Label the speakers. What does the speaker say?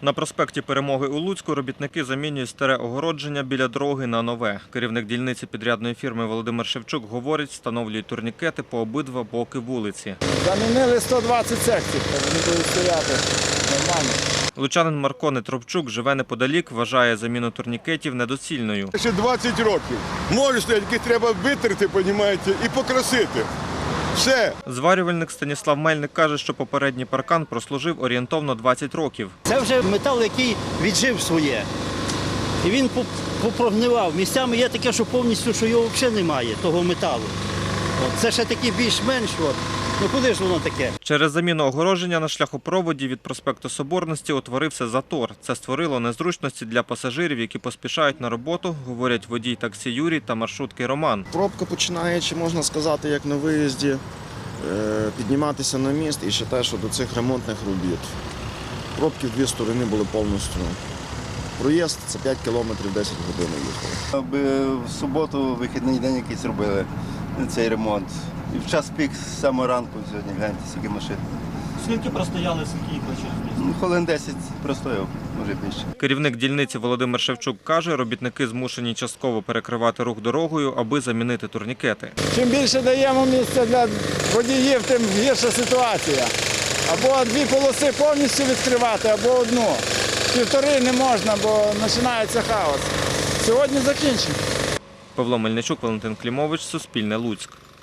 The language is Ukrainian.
Speaker 1: На проспекті Перемоги у Луцьку робітники замінюють старе огородження біля дороги на нове. Керівник дільниці підрядної фірми Володимир Шевчук говорить, встановлюють турнікети по обидва боки вулиці.
Speaker 2: Замінили 120 секцій, вони будуть стояти нормально.
Speaker 1: Лучанин Марко Нетропчук живе неподалік, вважає заміну турнікетів недоцільною.
Speaker 3: Ще 20 років. Може стоять, які треба витерти, розумієте, і покрасити. Все.
Speaker 1: Зварювальник Станіслав Мельник каже, що попередній паркан прослужив орієнтовно 20 років.
Speaker 4: Це вже метал, який віджив своє. І він попрогнивав. Місцями є таке, що повністю, що його взагалі немає, того металу. Це ще такі більш-менш. Ну куди ж воно таке?
Speaker 1: Через заміну огородження на шляхопроводі від проспекту Соборності утворився затор. Це створило незручності для пасажирів, які поспішають на роботу, говорять водій таксі Юрій та маршрутки Роман.
Speaker 5: Пробка починаючи, можна сказати, як на виїзді, підніматися на міст і ще те, що до цих ремонтних робіт. Пробки в дві сторони були повністю. Проїзд – це 5 кілометрів 10 годин їхали.
Speaker 6: Аби в суботу вихідний день якийсь робили цей ремонт. І в час пік з самого ранку сьогодні, гляньте, скільки машин.
Speaker 4: Скільки простояли, скільки їхали через місто?
Speaker 6: Хвилин 10 простояв, може більше.
Speaker 1: Керівник дільниці Володимир Шевчук каже, робітники змушені частково перекривати рух дорогою, аби замінити турнікети.
Speaker 2: Чим більше даємо місця для водіїв, тим гірша ситуація. Або дві полоси повністю відкривати, або одну. Півтори не можна, бо починається хаос. Сьогодні закінчимо.
Speaker 1: Павло Мельничук, Валентин Клімович, Суспільне, Луцьк.